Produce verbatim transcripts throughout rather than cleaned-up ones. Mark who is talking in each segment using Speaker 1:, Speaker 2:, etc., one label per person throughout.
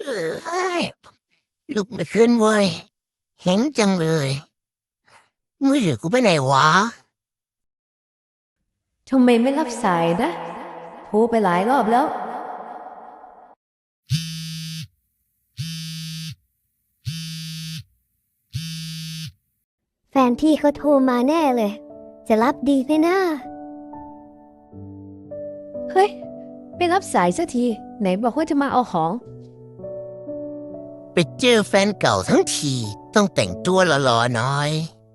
Speaker 1: เอ้ยลุกไม่ขึ้นเว้ยเห็นจังเลยมือถือกูไปไหนวะ
Speaker 2: ทำไมไม่รับสายนะโทรไปหลายรอบแล้ว
Speaker 3: แฟนพี่เขาโทรมาแน่เลย จะรับดีไหมนะ
Speaker 2: เฮ้ยไม่รับสายสักทีไหนบอกว่าจะมาเอาของ
Speaker 1: ไปเจอแฟนเก่าทั้งทีต้องแต่งตัวหล่อๆหน่อย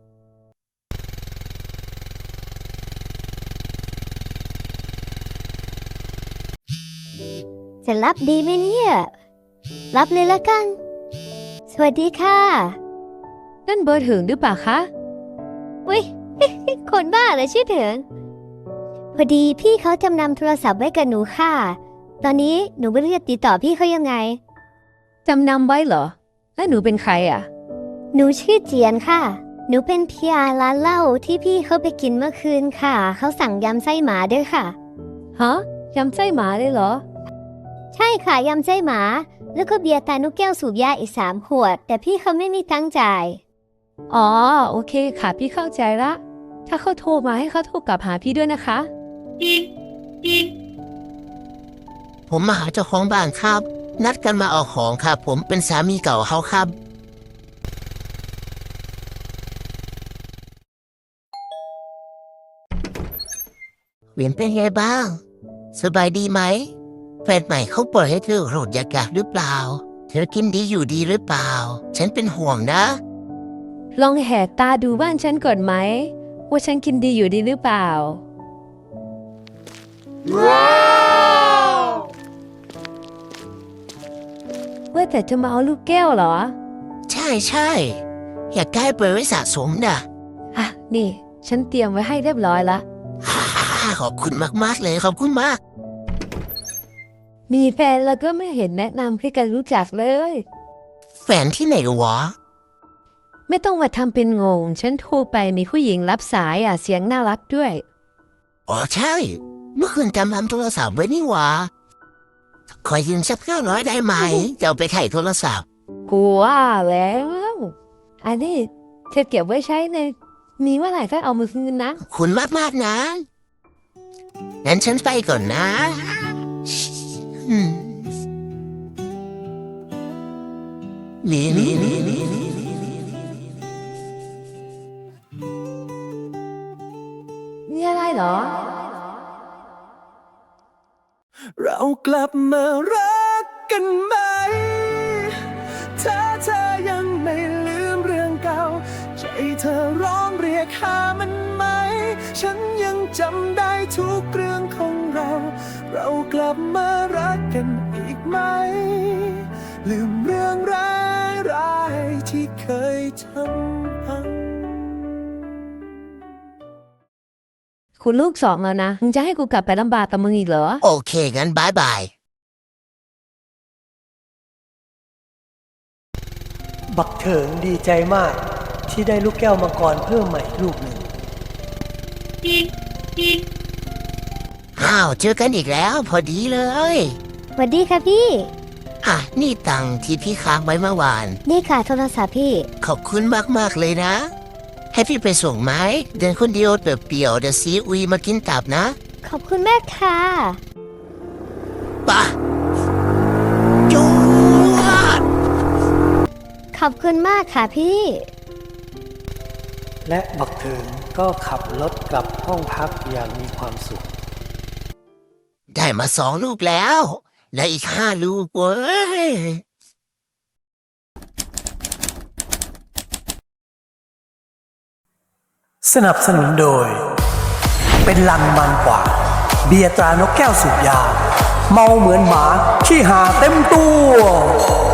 Speaker 3: จะรับดีไหมเนี่ยรับเลยละกันสวัสดีค่ะ
Speaker 2: นั่นเบอร์ถึงหรือเปล่าคะ
Speaker 3: อุ้ย คนบ้าเลยชื่อถึงพอดีพี่เขาจำนำโทรศัพท์ไว้กับหนูค่ะตอนนี้หนูไม่รู้จะติดต่อพี่เขายังไง
Speaker 2: จำนำไว้เหรอแล้วหนูเป็นใครอ่ะ
Speaker 3: หนูชื่อเจียนค่ะหนูเป็นพีอาร์ร้านเหล้าที่พี่เขาไปกินเมื่อคืนค่ะเขาสั่งยำไส้หมาด้วยค่ะ
Speaker 2: ฮะยำไส้หมาเลยเหรอ
Speaker 3: ใช่ค่ะยำไส้หมาแล้วก็เบียร์ตานุกแก้วสูบยาอีกสามขวดแต่พี่เขาไม่มีตังค์จ่าย
Speaker 2: อ๋อโอเคค่ะพี่เข้าใจละถ้าเขาโทรมาให้เขาโทรกลับหาพี่ด้วยนะคะ
Speaker 1: ผมมาหาเจ้าของบ้านครับนัดกันมาเอาของครับผมเป็นสามีเก่าเขาครับเวียนเป็นไงบ้างสบายดีไหมแฟนใหม่เขาปล่อยให้เธอโหลดยากาศหรือเปล่าเธอกินดีอยู่ดีหรือเปล่าฉันเป็นห่วงนะ
Speaker 2: ลองแหกตาดูบ้านฉันก่อนไหมว่าฉันกินดีอยู่ดีหรือเปล่าว้าวว่าแต่จะมาเอาลูกแก้วเหรอ
Speaker 1: ใช่ใช่อยากได้ไปไว้สะสมนะ
Speaker 2: อ่ะนี่ฉันเตรียมไว้ให้เรียบร้อยละ
Speaker 1: ขอบคุณมากๆเลยขอบคุณมาก
Speaker 2: มีแฟนแล้วก็ไม่เห็นแนะนำให้กันรู้จักเลย
Speaker 1: แฟนที่ไหนวะ
Speaker 2: ไม่ต้องมาทำเป็นงงฉันโทรไปมีผู้หญิงรับสายอ่ะเสียงน่ารักด้วย
Speaker 1: อ๋อใช่เมื่อคืนจำทำโทรศัพท์ไว้นี่วะขอยืมสักห้าร้อยได้ไหมจะเอาไปไถ่โทรศัพท์
Speaker 2: กูว่าแล้วอันนี้เธอเก็บไว้ใช้ในมีเมื่อไหร่ก็เอามาคืนนะ
Speaker 1: คุณมากมากนะงั้นฉันไปก่อนนะนี่นี่นี่นี่
Speaker 2: มีอะไรเหรอ
Speaker 4: เรากลับมารักกันไหมถ้าเธอยังไม่ลืมเรื่องเก่าใจเธอร้องเรียกหามันไหมฉันยังจำได้ทุกเรื่องของเราเรากลับมารักกันอีกไหมลืมเรื่องร้ายร้ายที่เคยทำพัง
Speaker 2: คุณลูกสองแล้วนะมึงจะให้กูกลับไปลำบากกับมึงอีกเหรอ
Speaker 1: โอเคงั้นบายบาย
Speaker 4: บักเถิงดีใจมากที่ได้ลูกแก้วมังกรเพิ่มใหม่ลูกหนึ่ง
Speaker 1: อ้าวเจอกันอีกแล้วพอดีเลย
Speaker 3: สวัสดีค่ะพี่
Speaker 1: อ่ะนี่ตังที่พี่ค้างไว้เมื่อวาน
Speaker 3: นี่ค่ะโทรศัพท์พี่
Speaker 1: ขอบคุณมากๆเลยนะให้พี่ไปส่งไหมเดินคนเดียวเปลี่ยวเดี๋ยวซีอุยมากินตับนะ
Speaker 3: ขอบคุณแม่ค่ะ
Speaker 1: ปะจูด
Speaker 3: ขอบคุณมากค่ะพี่
Speaker 4: และบักเถิงก็ขับรถกลับห้องพักอย่างมีความสุข
Speaker 1: ได้มาสองลูกแล้วและอีกห้าลูกเว้ย
Speaker 4: สนับสนุนโดยเป็นลังมันกว่าเบียร์ตรานกแก้วสูบยาเมาเหมือนหมาขี้หาเต็มตัว